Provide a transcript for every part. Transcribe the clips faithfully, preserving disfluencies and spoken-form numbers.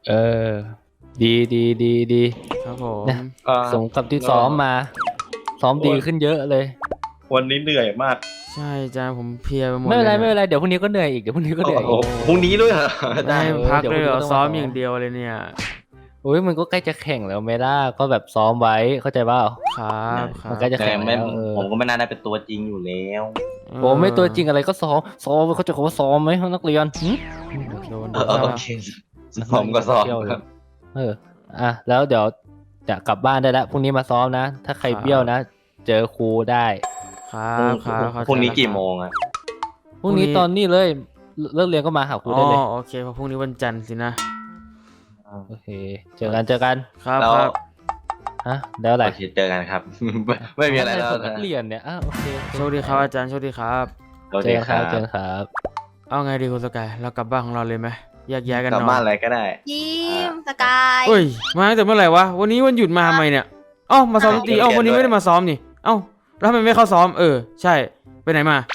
เออดีดีดีดีครับผมนะสมกับที่ซ้อมมาซ้อมดีขึ้นเยอะเลยวันนี้เหนื่อยมากใช่จ้าผมเพลียไปหมดไม่เป็นไรเลยไม่เป็นไรเดี๋ยวพรุ่งนี้ก็เหนื่อยอีกเดี๋ยวพรุ่งนี้ก็เหนื่อยอีกพรุ่งนี้ด้วยเหรอได้พักเลยเหรอซ้อมอย่างเดียวเดียวเลยเนี่ยโอ้ยมันก็ใกล้จะแข่งแล้วเมล่าก็แบบซ้อมไว้เข้าใจเปล่าครับครัมันใกล้จะแข่งแล้วผมก็ไม่น่าได้เป็นตัวจริงอยู่แล้วโอ้ไม่ตัวจริงอะไรก็ซ้อมซ้อมเขาจะคำว่าซ้อมไหมห้องนักเรียนโดนโอเคผมก็ซ้อมครับเอออ่ะแล้วเดี๋ยวจะกลับบ้านได้แล้วพรุ่งนี้มาซ้อมนะถ้าใครเบี้ยวนะเจอครูได้ครับครับพรุ่งนี้กี่โมงอ่ะพรุ่งนี้ตอนนี้เลยเลิกเรียนก็มาหาครูได้เลยอ๋อโอเคเพราะพรุ่งนี้วันจันทร์สินะโอเคเจอกันเจอกันครับครับฮะแล้วอะไรเจอกันครับไม่มีอะไรแล้วนักเรียนเนี่ยอ้าวโอเคโชคดีครับอาจารย์โชคดีครับเจอกันครับเจอกันครับเอาไงดีคุณสกายเรากลับบ้านของเราเลยไหมแยกย้ายกันนอนกลับบ้านอะไรก็ได้ยิ้มสกายเฮ้ยมาตั้งแต่เมื่อไหร่วะวันนี้วันหยุดมาทำไมเนี่ยเอ้ามาซ้อมดนตรีเอ้าวันนี้ไม่ได้มาซ้อมนี่เอ้าแล้วทำไมไม่เข้าซ้อมเออใช่ไปไหนมา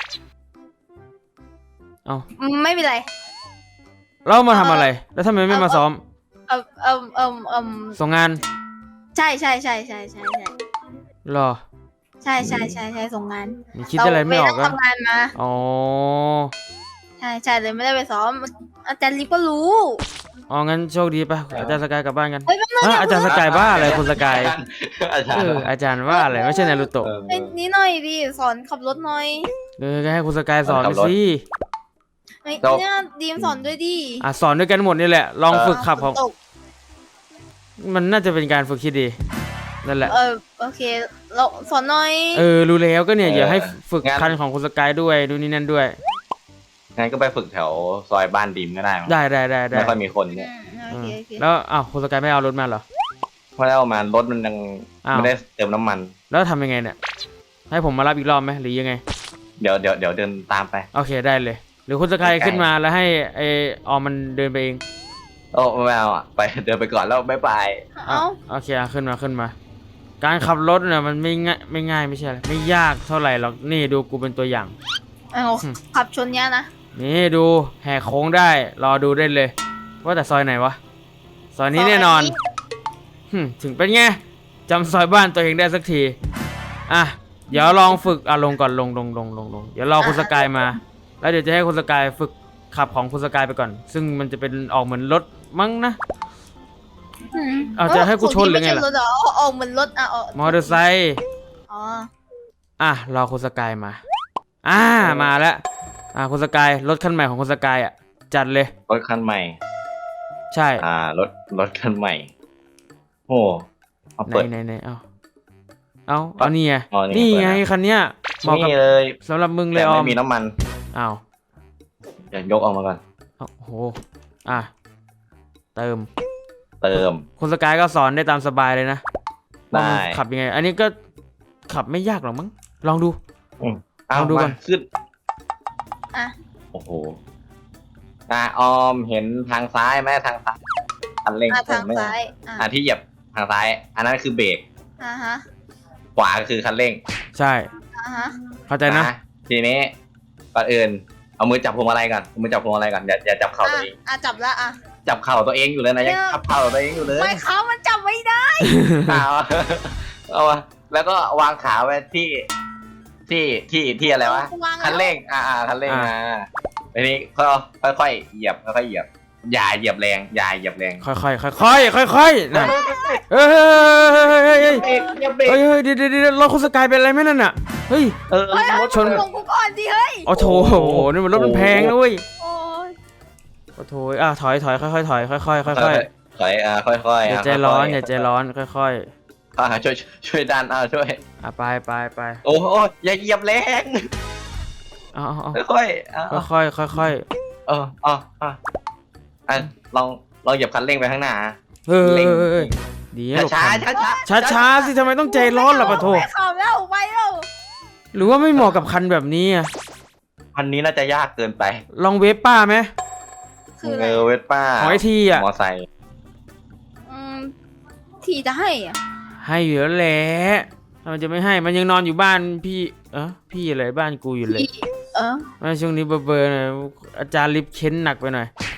เอ้าไม่เป็นไรเรามาทำอะไรแล้วทำไมไม่มาซ้อมเออเออเออเออส่งงานใช่ใช่ใช่ใช่ใช่ใช่หรอใช่ใช่ใช่ใช่ส่งงานคิดอะไรไม่ออกก็ทำงานมาอ๋อใช่ใช่เลยไม่ได้ไปซ้อมอาจารย์ลิฟก็รู้อ๋องั้นโชคดีไปอาจารย์สกายกลับบ้านกันฮะอาจารย์สกายบ้าอะไรคุณสกายเอออาจารย์ว่าอะไรไม่ใช่นารูโตะนี่หน่อยดิสอนขับรถหน่อยเออให้คุณสกายสอนสิเนี่ยดีมสอนด้วยดิอ่ะสอนด้วยกันหมดนี่แหละลองฝึกขับของมันน่าจะเป็นการฝึกที่ดีนั่นแหละเออโอเคเราสอนหน่อยเออรู้แล้วก็เนี่ยอย่าให้ฝึกคันของคุณสกายด้วยดูนี่นั่นด้วยงั้นก็ไปฝึกแถวซอยบ้านดิมก็ได้ได้ได้ได้ไม่ค่อยมีคนเนี่ยแล้วอ้าวคุณสกายไม่เอารถมาเหรอไม่ได้เอามารถมันยังไม่ได้เติมน้ำมันแล้วทำยังไงเนี่ยให้ผมมารับอีกรอบไหมหรือยังไงเดี๋ยวเดี๋ยวเดี๋ยวเดินตามไปโอเคได้เลยหรือคุณสกายขึ้นมาแล้วให้ไอออมมันเดินไปเองโอ้ไม่เอาอ่ะไปเดินไปก่อนแล้วบ๊ายบายเอาโอเคขึ้นมาขึ้นมาการขับรถเนี่ยมันไม่ง่ายไม่ง่ายไม่ใช่อะไรไม่ยากเท่าไหร่หรอกนี่ดูกูเป็นตัวอย่างเอาขับชนเนี้ยนะนี่ดูแหกโค้งได้รอดูได้เลยว่าแต่ซอยไหนวะซอยนี้แน่นอนถึงเป็นไงจำซอยบ้านตัวเองได้สักทีอ่ะเดี๋ยวลองฝึกอ่ะลงก่อนลงลงลงลงลงเดี๋ยวรอคุณสกายมาแล้วเดี๋ยวจะให้คุณสกายฝึกขับของคุณสกายไปก่อนซึ่งมันจะเป็นออกเหมือนรถมั้งนะเอาจะให้กูชนหรือไงล่ะออกเหมือนรถอ่ะมอเตอร์ไซค์อ๋ออ่ะรอคุณสกายมาอ่ามาแล้วอ่าคุณสกายรถคันใหม่ของคุณสกายอ่ะจัดเลยรถคันใหม่ใช่อ่ารถรถคันใหม่โอ้เอาเปิดไหนไหนเอาเอาเอานี่ไงนี่ไงคันเนี้ยเหมาะกับเลยสำหรับมึงเลยออมไม่มีน้ำมันอ้าวเดี๋ยวยกออกมาก่อนโอ้โหอ่ะเติมเติมคุณสกายก็สอนได้ตามสบายเลยนะได้ขับยังไงอันนี้ก็ขับไม่ยากหรอกมั้งลองดูลองดูก่อนขึ้นอ่ะโอ้โหอ่ะออมเห็นทางซ้ายไหมทางซ้ายคันเร่งทางซ้ายอ่ะที่เหยียบทางซ้ายอันนั้นคือเบรกอ่าฮะขวาคือคันเร่งใช่อ่าฮะเข้าใจนะทีนี้ก่อนอื่นเอามือจับพวงมาลัยก่อนเอามือจับพวงมาลัยก่อนอย่าอย่าจับเข่าตัวเองอ่ะจับแล้วอ่ะจับเข่าตัวเองอยู่เลยนะยังจับเข่าตัวเองอยู่เลยไม่เขามันจับไม่ได้เอาเอาแล้วก็วางขาไว้ที่ที่ที่ที่อะไรวะคันเร่งอ่าคันเร่งอ่าทีนี้ก็ค่อยๆเหยียบค่อยๆเหยียบอย่าเหยียบแรงอย่าเหยียบแรงค่อยๆค่อยๆค่อยๆนั่นเฮ้ยเฮ้ยเฮ้ยเฮ้ยเดี๋ยวเดี๋ยวรถคุณสกายเป็นอะไรไหมนั่นน่ะเฮ้ยเออรถชนกูก่อนดิเฮ้ยโอ้โถนี่มันรถมันแพงนะเว้ยโอ้โถอ่ะถอยถอยค่อยๆถอยค่อยๆค่อยๆถอยอ่ะค่อยๆอย่าใจร้อนอย่าใจร้อนค่อยๆอ่าช่วยช่วยดันอ่าช่วยอ่ะไปไปไปโอ้โหอย่าเหยียบแรงอ๋อค่อยๆค่อยๆค่อยๆเอออ๋ออ่ะอ่ะลองลองเหยียบคันเร่งไปข้างหน้าเฮ้ยดีช้าช้าช้าช้าสิทำไมต้องใจร้อนล่ะปะโถขับแล้วไปแล้วหรือว่าไม่เหมาะกับคันแบบนี้อ่ะคันนี้น่าจะยากเกินไปลองเวฟป้าไหมเออเวฟป้าหอยทีอ่ะมอไซค์อืมทีจะให้อ่ะให้อยู่แล้วแหละมันจะไม่ให้มันยังนอนอยู่บ้านพี่เออพี่อะไรบ้านกูอยู่เลยเออช่วงนี้เบอร์เบอร์หน่อยอาจารย์ลิฟเค้นหนักไปหน่อย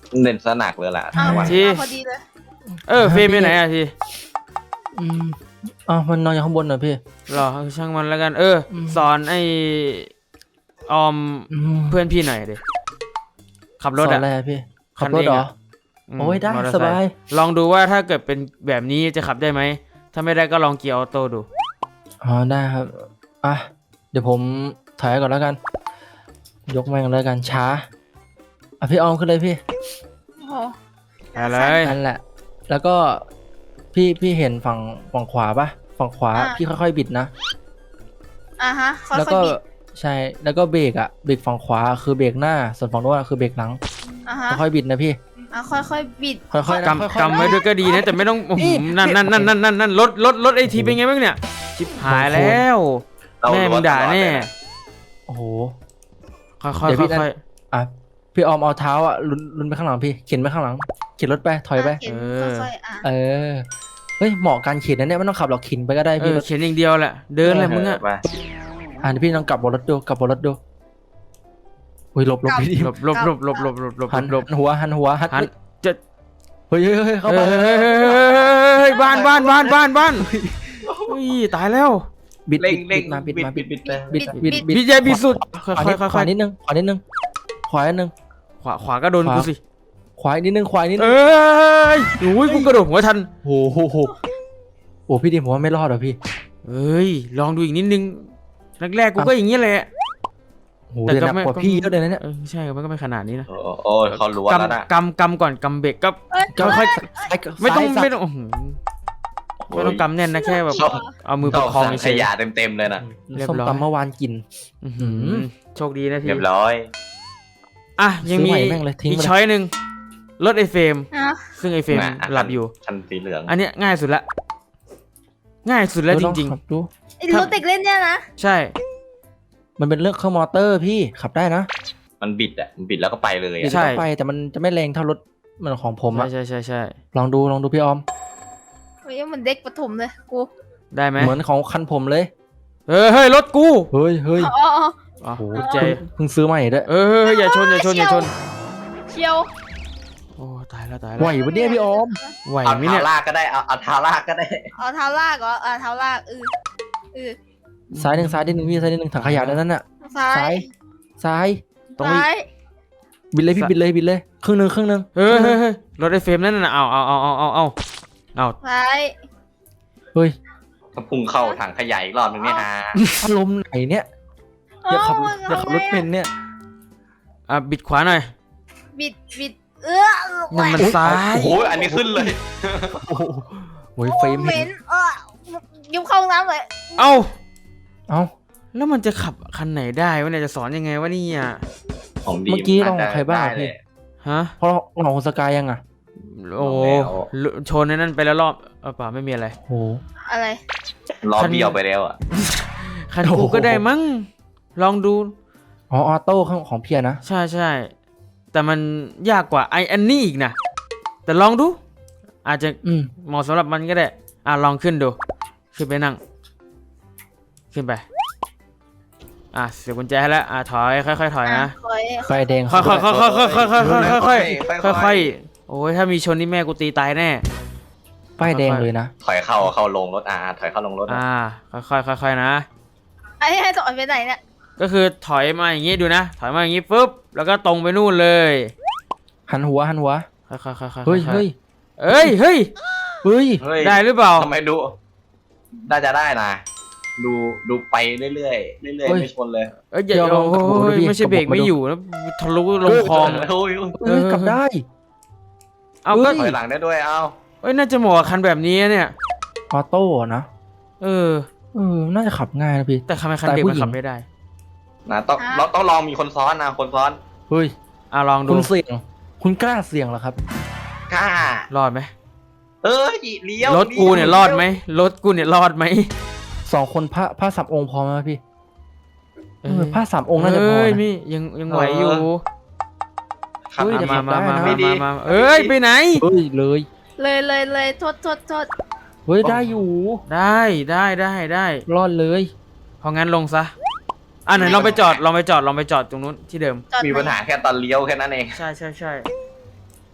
เน้นสนักเลยล่ะอ้าววันทีพอดีเลยเออเฟรมไปไหนอะทีอืมอ้าวมันนอนอยู่ข้างบนเหรอพี่รอช่างมันแล้วกัน เอออืมสอนไอออมอืมเพื่อนพี่หน่อยดิขับรถสอนอะอะไรอะพี่ขับคันรถเองเหรออะ มโอ้ยได้มอเตอร์สไซค์บายลองดูว่าถ้าเกิดเป็นแบบนี้จะขับได้ไหม ถ้าไม่ได้ก็ลองเกียร์ออโต้ดูอ๋อได้ครับอ่ะเดี๋ยวผมถอยก่อนแล้วกัน ยกแม่งแล้วกันช้าอ่ะพี่ออมขึ้นเลยพี่โอ้โหอะไรนั่นแหละ แล้วก็พี่พี่เห็นฝั่งฝั่งขวาปะฝั่งขวาพี่ค่อยๆบิดนะอ่ะฮะค่แล้วอยก็ๆบิดใช่แล้วก็เบรกอะเบรกฝั่งขวาคือเบรกหน้าส่วนฝั่งโน้นอะคือเบรกหลังอ่ะฮะค่อยๆบิดนะพี่อ่ะค่อยๆบิดค่อยๆนะค่อยกำๆกำไว้ด้วยก็ดีนะ แต่ไม่ต้องโอ้โหนั่นนั่นนั่นนั่นนั่นนั่นรถรถรถไอทีเป็นไงบ้างเนี่ย ชิบหายแล้วเราแม่มึงด่าแน่โอ้โหค่อยๆค่เดี๋ยวพี่อยนั่น อ่ะพี่ออมเอาเท้าอ่ะลุนลุนไปข้างหลังพี่เข็นไปข้างหลังเข็นรถไปถอยไปะเข็นค่อยๆอ่ะเออเฮ้ยเหมาะการเข็นนะเนี่ยไม่ต้องขับหรอกเข็นไปก็ได้ๆเอพี่อรถเขียนอย่างเดียวแหละ เดินแหละมึงอะไปอ่ะเดี๋ยวพี่ลองกลับบนรถดูกลับบนรถดูอุ้ยหลบหลบพี่ดิหลบหลบหลบหลบหลบหลบหลบหันหลบหันหัวหันหัวหันหันจะเฮ้ยเฮ้ยเฮ้ยเข้าไปเฮ้ยเฮ้ยเฮ้ยเฮ้ยเฮ้ยบ้านบ้านบ้านบ้านบ้านอุ้ยตายแล้วบิดเร่งบิเร่ดงมาบิดมาบิบิดดบิดบิดบิดบิดบิดบิดใหญ่บิดสุดค่อยขวาค่นิอยดค่อยขวานิดนึงขวานิดนึงขวานิดนึงขวาขวาก็โดนกูสิขวาอีกนิดนึงขวาอีกนิดนึเอ้งยโอ้ยกูกระโดดหัวทันโอ้โหโหโอ้พี่ดิผมว่าไม่รอดหรอพี่เอ้ยลองดูอีกนิดนึงแรกๆกูก็อย่างนี้แหละโหเดี๋ยวหนักกว่าพี่เยอะเลยนะเนี่ยเออใช่มันก็ไม่ขนาดนี้นะโอ้โอ้ยเขารู้แล้วนะกำกำกำก่อนกำเบรกก็เอ้ยก็ค่อยซ้ายไม่ต้องซ้ายไม่ต้องอื้อหือไม่ต้องกำแน่นนะแค่แบบชอบเอามือประคองขเฉยยะเต็มเต็มๆเลยนะเรียบส้มร้อยตำเมื่อวานกินๆอื้อหือหือโชคดีนะทีเรียบร้อยอ่ะยังมีซื้อใหม่แม่งเลยทิ้งอีกไปเลยช้อยหนึ่งรถไอเฟรมอ่ะซึ่งไอเฟรมน่ะหลับอยู่คันสีเหลืองอันเนี้ยง่ายสุดละง่ายสุดแล้วจริงเออลอขับดูไอ้รถเด็กเล่นเนี่ยนะๆ ใช่มันเป็นเรื่องเครื่องมอเตอร์พี่ขับได้นะมันบิดอ่ะมันบิดแล้วก็ไปเลยใช่อ่ะก็ไปแต่มันจะไม่แรงเท่ารถเหมือนของผมอะใช่ใช่ใช่ลองดูลองดูพี่ออมเฮ้ยมันเด็กประถมเลยกูได้ไหมเหมือนของคันผมเลยเออเฮ้ยรถกูเฮ้ยเฮ้ยอ๋ออ๋ออ๋อโอ้โหกุญแจเพิ่งซื้อใหม่ด้วยเออเฮ้ยเฮ้ยอย่าชนอย่าชนอย่าชนเชียวโอ้ตายแล้วตายไหวแล้วปะเนี่ยพี่ออมไหวเอาไหมเท้าเนี่ยลากก็ได้เอาเอาเท้าลากก็ได้เอาเท้าลากเหรออ่ะเท้าลากเออเออซ้ายหนึ่งซ้ายนิดหนึ่งพี่ซ้ายนิดหนึ่งถังขยะนั่นน่ะซ้าซ้าย ยซ้ายตรงนี้ซ้ายบิดเลยพี่บิดเลยบิดเลยครึ่งหนึ่งครึ่งหนึ่งเฮ้ยเฮ้ยเฮ้ยรถไอเฟรมนั่นน่ะเอาเอาเอาเอาเอาเอาเอาซ้ายเฮ้ยถ้าพุ่งเข้าถังขยะอีกรอบนึงเนี่ยฮะอารมณ์ไหนเนี่ยอย่าขับเอย่าขับรถเป็นเนี่ยอ่ะบิดขวาหน่อยบิดบิดเออนั่นมันซ้ายโอ้โหอันนี้ขึ้นเลยโอ้โหโอ้ยเฟรมเหม็เห็นนเออยิ้มเข้าห้องน้ำเลยเอ้าเอ้าแล้วมันจะขับคันไหนได้วะเนี่ยจะสอนยังไงวะเนี่ยของดีเมื่อกี้ลองใครบ้างได้เลพี่ยฮะเพราะเราของสกายยังอ่ะโอ้โหลองแล้วชนในนั่นไปแล้วรอบเออเปล่าไม่มีอะไรโอ้โหอะไรล้อเบี้ยวไปแล้วอ่ะคันโอ้กูโหก็ได้มั้งลองดูอ๋อออโต้ของของเพียนะใช่ใช่แต่มันยากกว่าไออันนี้อีกนะแต่ลองดู อาจจะอืมเหมาะสำหรับมันก็ได้อ่ะลองขึ้นดูขึ้นไปนั่ง ขึ้นไปอ่ะเสียบกุญแจให้แล้วอ่ะถอยค่อยๆถอยนะคอยไฟแดงค่อยๆค่อยๆค่อยๆค่อยๆค่อยๆค่อยค่อยๆๆค่อยๆโอ้ยถ้ามีชนนี่แม่กูตีตายแน่ป้ายแดงเลยนะถอยเข้าเข้าลงรถอ่าถอยเข้าลงรถอะอ่าค่อยๆค่อยๆนะไอ้ให้สอนไปไหนเนี่ยก็คือถอยมาอย่างงี้ดูนะ ถอยมาอย่างงี้ปุ๊บแล้วก็ตรงไปนู่นเลยหันหัวหันหัวค่อยๆค่อยๆเฮ้ยค่อเฮ้ยเอ้ยเฮ้ยเฮ้ยเฮ้ยได้หรือเปล่าทำไมดู น่าจะได้นะ ดูดูไปเรื่อยๆเรื่อยๆไม่ชนเลยเอ้ยอย่าเดี๋ยวลองโอ้กลับมาดูยดิไม่ใช่เบรกกลับมาไม่ดูอยู่นะทะลุลงคลองโอ้ยเฮ้ยกลับได้เอาก็ถอยหลังได้ด้วยเอาเอ้ยน่าจะเหมาะกับคันแบบนี้เนี่ยออโต้นะเออเออน่าจะขับง่ายนะพี่แต่ทำไมคันเด็กแต่ผู้มันหญิงขับไม่ได้นะต้องเราต้องลองมีคนซ้อนนะคนซ้อนเฮ้ยอ่ะลองดูคุณเสี่ยง คุณกล้าเสี่ยงเหรอครับกล้ารอดไหมเอ้ยเลี้ยวรถกูเนี่ยรอดไหมรถกูเนี่ยรอดไหมสองคนผ้าผ้าสามองค์พอไหมพี่เอเอออผ้าสามองค์น่าจะพอเอ้ยนะมี่ยังยังไหวอยู่ขับเฮ้ยดีเดี๋ยวมาขับมาได้มานะมามามาเอ้ยไปไหนเฮ้ยเลยเลยเลยเลยโทษโทษโทษเฮ้ยได้อยู่ได้ได้ได้ได้รอดเลยเพราะงั้นลงซะอ่ะไหนลองไปจอดลองไปจอดลองไปจอดตรงนู้นที่เดิมจอดมีปัญหาแค่ตอนเลี้ยวแค่นั้นเองใช่ใช่ใช่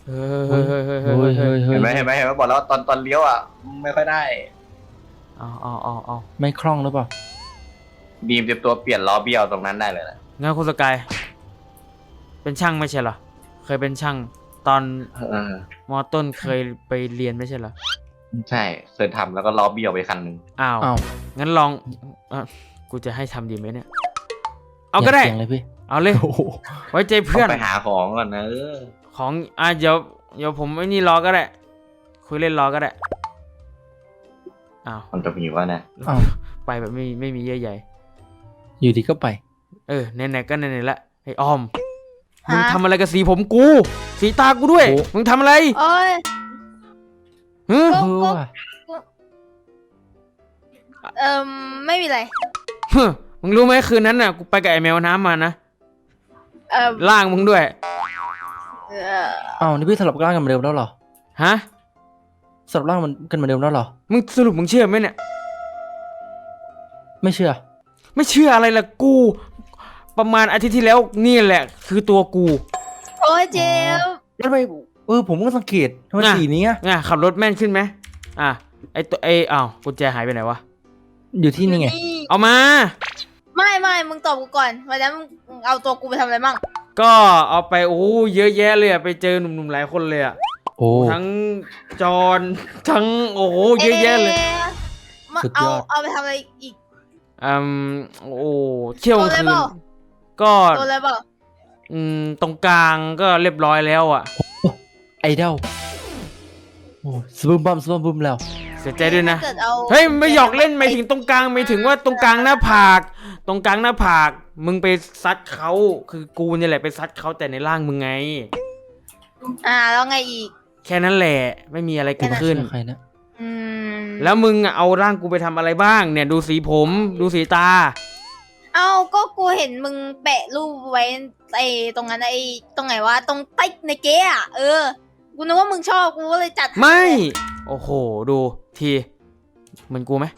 เฮ้ยเฮ้ยเฮ้ยเฮ้ยเฮ้ยเฮ้ยเฮ้ยเฮ้ยเห็นไหมเห็นไหมเห็นไหมบอกแล้วตอนตอนเลี้ยวอ่ะไม่ค่อยได้เอาเอาเอาเอาไม่คล่องหรือเปล่าบีมเตรียมตัวเปลี่ยนล้อเบี้ยวตรงนั้นได้เลยนะงั้นคุณสกายเป็นช่างไม่ใช่เหรอเคยเป็นช่างตอนเออมอต้นเคยไปเรียนไม่ใช่เหรอใช่เคยทำแล้วก็ล้อเบี้ยวไปคันหนึ่งอ้าวอ้าวงั้นลองอ่ะกูจะให้ทำดีไหมเนี่ยเอาก็ได้ย่สียงเลยพี่เอาเลยโอ้โหไว้ใจเพื่อนต้องไปหาของก่อนนะเออของอ่ะเดี๋ยวเดี๋ยวผมไอ้นี่รอก็ได้คุยเล่นรอก็ได้อ้าวมันจะมีว่านะอ้าวไปแบบไม่ไม่มีเยื่อใยอยู่ดีก็ไปเออไหนๆก็ไหนๆละไอ้ออมฮะมึงทำอะไรกับสีผมกู สีตากูด้วยโอ้มึงทำอะไรโอ้ยฮึก็เออว่ะเอ่มไม่มีอะไรฮึมึงรู้ไหมคืนนั้นน่ะกูไปกับไอ้แมวน้ำมานะเอ่มล่างมึงด้วยเอ่ออ้าวนี่พี่สลับร่างกันเหมือนเดิมแล้วเหรอฮะสลับร่างมันกันเหมือนเดิมแล้วเหรอมึงสรุปมึงเชื่อไหมเนี่ยไม่เชื่อไม่เชื่ออะไรล่ะกู ประมาณอาทิตย์ที่แล้วนี่แหละ คือตัวกูโอ้ยเจลแล้วทำไมเออผมก็สังเกตทำไมน่ะสีนี้อะไงขับรถแม่นขึ้นไหมอ่ะไอตัวไออ้าวกุญแจหายไปไหนวะอยู่ที่นี่ไงเอามาไม่ไม่มึงตอบกูก่อนวันนั้นมึงเอาตัวกูไปทำอะไรมั่งก็เอาไปโอ้เยอะแยะเลยอะไปเจอหนุ่มๆหลายคนเลยอะโอ้ทั้งจอนทั้งโอ้โหเยอะแยะเลยมาสุดเอายอดเอาไปทำอะไรอีกอืมโอ้เที่ยวกลางคืนโดนอะไรเปล่าก็โดนอะไรเปล่าอืมตรงกลางก็เรียบร้อยแล้วอะไอดอลโอ้สบึมบัมสบึมบึมแล้วเสียใจด้วยนะถ้าเกิดเอาเฮ้ยไม่หยอกเล่นไม่ถึงตรงกลางไม่ถึงว่าตรงกลางหน้าผากตรงกลางหน้าผากมึงไปซัดเขาคือกูเนี่ยแหละไปซัดเขาแต่ในร่างมึงไงอ่าแล้วไงอีกแค่นั้นแหละไม่มีอะไรเกิดขึ้นเชื่อใครนะอืมแล้วมึงอะเอาร่างกูไปทำอะไรบ้าง เนี่ยดูสีผมดูสีตาเอาก็กูเห็นมึงแปะรูปไว้ไอ้ตรงนั้นไอ้ตรงไหนวะตรงใต้ในเก๊อะเออกูนึกว่ามึงชอบกูก็เลยจัดให้ไม่ โอ้โหดูทีเหมือนกูไหม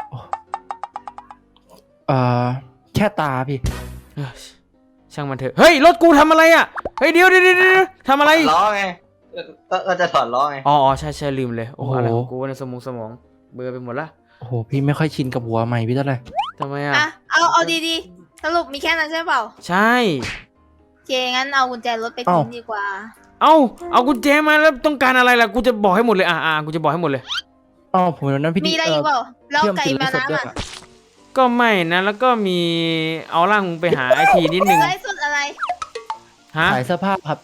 เอ่อแค่ตาพี่เอ้ยช่างมันเถอะเฮ้ยรถกูทำอะไรอะเฮ้ยเดี๋ยวเดี๋ยวเดี๋ยวเดี๋ยวทำอะไรล้อไงเออก็ก็จะถอดล้อไงอ๋ออ๋อใช่ใช่ลืมเลยโอ้โอ้โหอะไรของกูในสมองสมองเบลอไปหมดละโอ้โหพี่ไม่ค่อยชินกับหัวใหม่พี่เท่าไหร่ทำไมอะอ่ะเอาเอาดีๆสรุปมีแค่นั้นใช่เปล่าใช่โอเคงั้นเอากุญแจรถไปทิ้งดีกว่าเอาเอากุญแจมาแล้วต้องการอะไรล่ะกูจะบอกให้หมดเลยอ่าอ่ากูจะบอกให้หมดเลยอ๋อผมวันนั้นพี่มีอะไรอีกเปล่าแล้วพี่อมไก่ถือมาไลฟ์สดด้วยน้ำอ่ะอะก็ไม่นะแล้วก็มีเอาร่างมึงไปหาไอทีนิดนึงไลฟ์สดอะไรฮะขายเสื้อผ้าครับ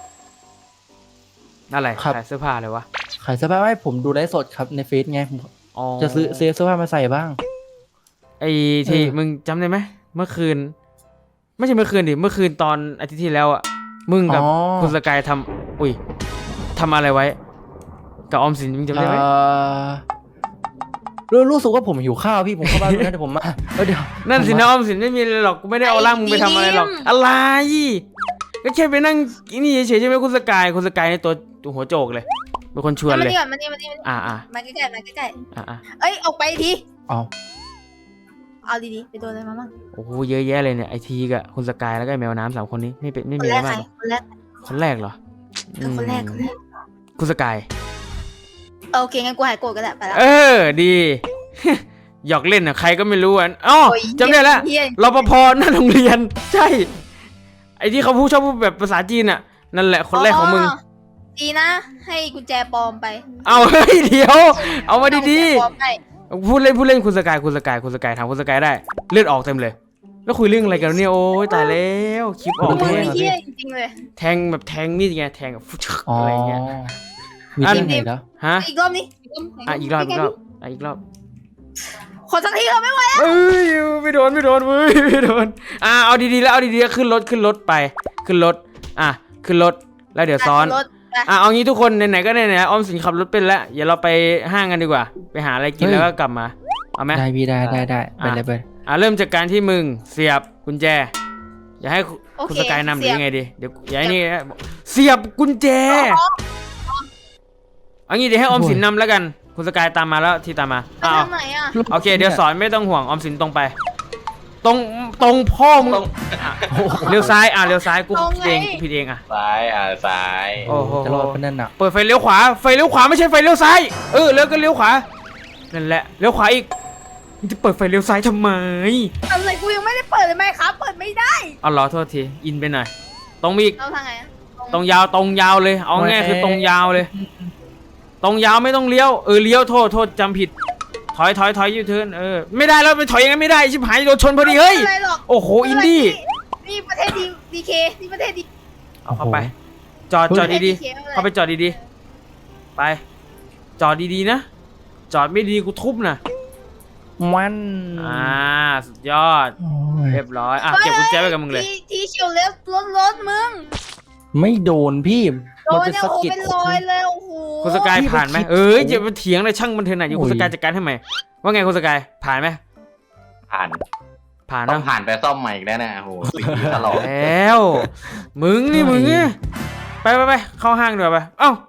อะไรครับขายเสื้อผ้าเลยวะขายเสื้อผ้าให้ผมดูไลฟ์สดครับในเฟซไงผมอ๋อจะซื้อซื้อเสื้อผ้ามาใส่บ้างไอที่เออมึงจำได้ไหมเมื่อคืน ไม่ใช่เมื่อคืนดิเมื่อคืนตอนอาทิตย์ที่แล้วอ่ะมึงกับอ๋อคุณสกายทำอุ้ยทำอะไรไว้ กับออมสินมึงจำได้ไหมเอ่อรู้รู้สึกว่าผมหิวข้าวพี่ผมเข้าบ้านแล้วเดี๋ยวผมมาเออเดี๋ยวนั่นสิผมนะมาออมสินไม่มีอะไรหรอกกูไม่ได้เอาร่างมึงไปทำอะไรหรอกอะไรก็แค่ไปนั่งกินนี่เฉยๆใช่ไหมคุณสกายคุณสกายในตัวตัวหัวโจกเลยเป็นคนชวนมาเลยนี่ก่อนมานี่มานี่มานี่อ่าอ่ามาใกล้ๆมาใกล้อ่าอ่าๆเอ้ยออกไปทีเอาเอาดีๆไปโดนอะไรมาบ้างโอ้โหเยอะแยะเลยเนี่ยไอทีกับคุณสกายแล้วก็ไอ้แมวน้ำสามคนนี้ไม่เป็นไม่คมีนอะแรไรกใครมากหรอคนแรกคนแรกเหรอเออคนแรกคนแรกคุณสกายเออโอเคงั้นกูหายโกรธก็ได้ไปละเออดี หยอกเล่นอ่ะใครก็ไม่รู้อ่ะอ๋อโอ้ยจำได้แล้วเหี้ยรปภหน้าโรงเรียน ใช่ ไอที่เขาพูดชอบพูดแบบภาษาจีนอ่ะนั่นแหละคนแรกของมึงดีนะ ให้กุญแจปลอมไปเอาเฮ้ยเดี๋ยว เอามาดีเอกุญแจปลอมไปๆพูดเล่นพูดเล่นคุณสกายคุณสกายคุณสกายถามคุณสกายได้เลือดออกเต็มเลย แล้วคุยเรื่องอะไรกันเนี่ยโอ้ยตายแล้วคลิปออกมึงแทงนี่เหี้ยจริงๆเลยแทงแบบแทงมีดไงแทงแบบฟุ๊ชอ๋ออะไรเงี้ยมีอันที่ไหนแล้วฮะอีกรอบนี้อ่ะอีกรอบอีกรอบอ่ะอีกรอบขอสักทีเราไม่ไหวเอ้ยไม่โดนไม่โดนเว้ยไม่โดนอ่ะเอาดีๆแล้วเอาดีๆแล้วขึ้นรถขึ้นรถไปขึ้นรถอ่ะขึ้นรถแล้วเดี๋ยวซ้อนรถไปอ่ะเอางี้ทุกคนไหนๆก็ไหนๆออมสินขับรถเป็นแล้วอย่าเราไปห้างกันดีกว่า ไปหาอะไรกินเฮ้ยแล้วก็กลับมาเอาไหมได้พี่ได้ได้ได้ไปอ่ะเลยไปอ่ะเริ่มจากการที่มึงเสียบกุญแจ อย่าให้คุโอคุณเคสกายนำหรืเสีอยบยังไงดีเดี๋ยวอย่าให้นี่เสียบกุญแจเอางี้เดี๋ยวให้ออมสินนำแล้วกันคุณสกายตามมาแล้วที่ตามมาไปอ้าวทางไหนอ่ะโอเคเดี๋ยวสอนไม่ต้องห่วงออมสินตรงไปตรงตรงพ่อมึงตรงเลี้ยวซ้ายอ่ะเลี้ยวซ้ายกูตรงผิดไงเองกูผิดเองอ่ะซ้ายอ่าซ้ายโอ้โหจะรอดเป็นนั่นน่ะเปิดไฟเลี้ยวขวาไฟเลี้ยวขวาไม่ใช่ไฟเลี้ยวซ้ายเออแล้วก็เลี้ยวขวานั่นแหละเลี้ยวขวาอีกมึงจะเปิดไฟเลี้ยวซ้ายทำไมอะไรกูยังไม่ได้เปิดเลยไหมครับ เปิดไม่ได้เอาเหรอโทษทีอินไปหน่อยตรงมีอีกเราทางไงอะตรงยาวตรงยาวเลยเอาง่ายคือตรงยาวเลย ตรงยาวไม่ต้องเลี้ยวเออเลี้ยวโทษโทษจำผิดถอยถอยถอยยูเทิร์นเออไม่ได้แล้วไปถอยยังไงไม่ได้ชิบหายโดนชนพอดีเฮ้ยไม่เป็นไรหรอกโอ้โหอินดี้นี่ประเทศดีดีเคนี่ประเทศดีเอาเข้าไป จอดจอดดีๆๆเข้าไปจอดดีๆไป จอดดีๆนะ จอดไม่ดีกูทุบนะมันอ่าสุดยอดโอ้ยเรียบร้อยอ่ะเก็บกุญแจไว้กับมึงเลยที่ที่เฉียวเล็บรถรถมึงไม่โดนพี่โดมันนเป็นเนี่ยสะโอ้โหกิดเป็นรอยเลยโอ้โหคุณสกายผ่านไหมพี่เอ้ยคิดอย่ามาเถียงเลยช่างมันเถอะนะอยู่คุณโอ้สยกายจัดการให้ใหม่ว่าไงคุณสกายผ่านไหมผ่านผ่านต้อนะงผ่านไปซ่อมใหม่อีกแล้วนะโอ้โหสีตลอดแล้วมึงนี่มึงเนี่ยไปไปไปเข้าห้างดีกว่าไปเอ้า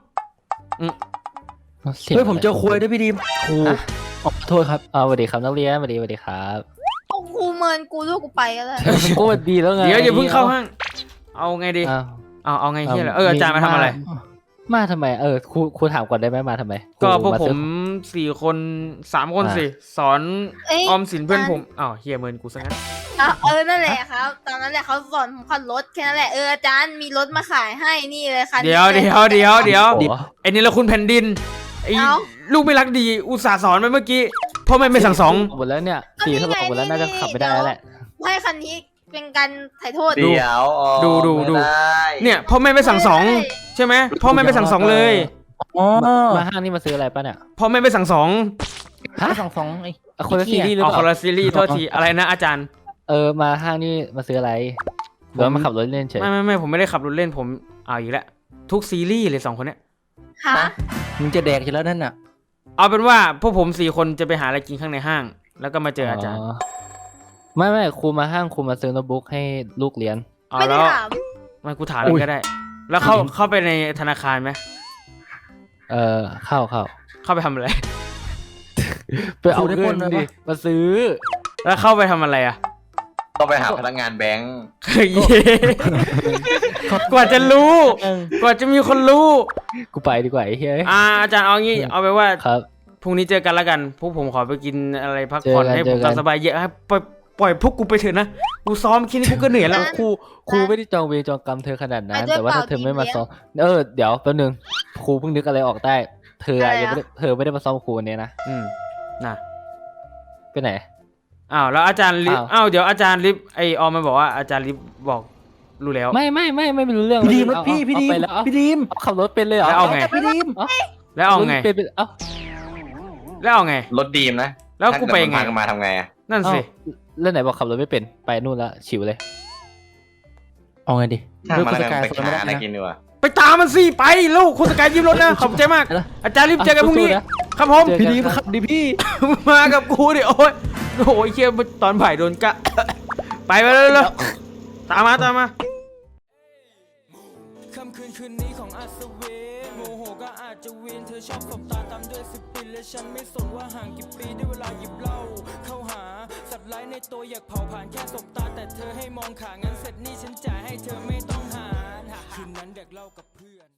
เฮ้ยผมเจอคุยด้วยพี่ดีมครูขอโทษครับอ่าสวัสดีครับนักเรียนสวัสดีสวัสดีครับโอ้โหเมินกูด้วยกูไปก็เลยก็สวัสดีแล้วไงเดี๋ยวอย่าเพิ่งเข้าห้าง เอาไงดีอ้าวเอาเอาไงเฮียเหรอเอออาจารย์มาทำอะไรมาทำไมเออครูครูถามก่อนได้ไหมมาทำไมก็พวกครูาผซื้อมสี่คนสามคนอ่าสิสอนเอ้ยออมสินเพื่อนผมอ้าวเฮียเมินกูซะงั้นอ่ะเออนั่นแหละครับ ตอนนั้นแหละเขาสอนผมขับรถแค่นั้นแหละเอออาจารย์มีรถมาขายให้นี่เลยคันนี้เดี๋ยวเดี๋ยวเดี๋ยวเดี๋ยวโอ้โหไอ้นี่ละคุณแผ่นดินไอ้เอ้าลูกไม่รักดีอุตส่าห์สอนไปเมื่อกี้พ่อแม่ไม่สั่งสองหมดแล้วเนี่ยสี่ทดลองหมดแล้วน่าจะขับไม่ได้แล้วแหละให้คันนี้เป็นการถ่ายโทษเดี๋ยวอ๋อดูดูดูไม่ได้เนี่ยพ่อแม่ไม่สั่งสองใช่ไหมพ่อแม่ไม่สั่งสองเลยอ๋อมาห้างนี่มาซื้ออะไรป่ะเนี่ยพ่อแม่ไม่สั่งสองฮะสองสองไอ้อ่ะคนละซีรีส์หรือเอาเปคนล่าละซีรีส์โทษทีอะไรนะอาจารย์เออมาห้างนี่มาซื้ออะไรหรือว่ามาขับรถเล่นเฉยไม่ไม่ไม่ผมไม่ได้ขับรถเล่นผมเอาอีกแล้วทุกซีรีส์เลยสองคนเนี้ยฮะมึงจะแดกอยู่แล้วนั่นน่ะเอาเป็นว่าพวกผมสี่คนจะไปหาอะไรกินข้างในห้าง แล้วก็มาเจออาจารย์ไม่ไม่ครูมาห้างครูมาซื้อโน้ตบุ๊กให้ลูกเรียนเอาไม่ได้แล้วถามมากูถามเลยก็ได้ แล้วเข้าเข้าไปในธนาคารไหมเออเข้าเข้าเข้าไปทำอะไรไปเอาเงินดิมาซื้อแล้วเข้าไปทำอะไรอ่ะต้องไปหาพนักงานแบงค์เฮ้ยกว่าจะรู้ กว่าจะมีคนรู้กูไปดีกว่าไอ้เฮ้ยอ่าอาจารย์เอางี้เอาไปว่าครับพรุ่งนี้เจอกันแล้วกัน พวกผมขอไปกินอะไรพักผ่อนเจอกันให้ผมเจอกันตามสบายเยอะให้ปล่อยปล่อยพวกกูไปเถอะนะ กูซ้อมแค่นี้กูก็เหนื่อยแล้วครูครูไม่ได้จองเวรจองกรรมเธอขนาดนั้นไปด้วยแต่ว่าถ้าเปล่าเธอไม่มาทีมเลี้ยงซ้อมเออเดี๋ยวแป๊บนึงครูเพิ่งนึกอะไรออกได้ เธออะอะไรอะยังไม่ได้เธอไม่ได้มาซ้อมครูวันนี้นะอืมน่ะไปไหนอ้าวแล้วอาจารย์ลิฟอ้าวอ้าวเดี๋ยวอาจารย์ลิฟไอออมมันบอกว่าอาจารย์ลิฟบอกรู้แล้วไม่ไม่ไม่ไม่รู้เรื่องพี่ดีมรเอาถพี่เอาพี่ดีมเอาไปแล้วเอาพี่ดีมเอาขับรถเป็นเลยเหรอแล้วเอาไงพี่ดีมแล้วเอาไงรถเป็นเป็นเอ้าแล้วเอาไงรถดีมนะแล้วกูไปไงถ้าเกิดมันพัมาทำไงอะนั่นสิเล่นไหนบอกขับรถไม่เป็นไปนู่นละฉิวเลยเอาไงดิช่างมันแล้วกันเลือกไปผู้จัดการหาอะไรนะกินดีกว่าไปตามมันสิไปลูกคุณสกายยิ้มรถนะขอบใจมากไปแล้วอาจารย์รีบเจอกันพรุ่งนี้สู้ๆนะครับผมเจอพี่ดีมขับดิพี่มากับกูดิโอ้ยโอ้ยเคียตอนบ่ายโดนกะ ไปไปเลยเลยตามมาตามมาค่ำคืนคืนนี้ของอัศวินโมโหก็อาจจะวินเธอชอบสบตาตามด้วยสปินและฉันไม่สนว่าห่างกี่ปีได้เวลาหยิบเหล้าเข้าหาสัตว์ร้ายในตัวอยากเผาผ่านแค่สบตาแต่เธอให้มองขางั้นเสร็จนี่ฉันจ่ายให้เธอไม่ต้องหารคืนนั้นเด็กเล่ากับเพื่อน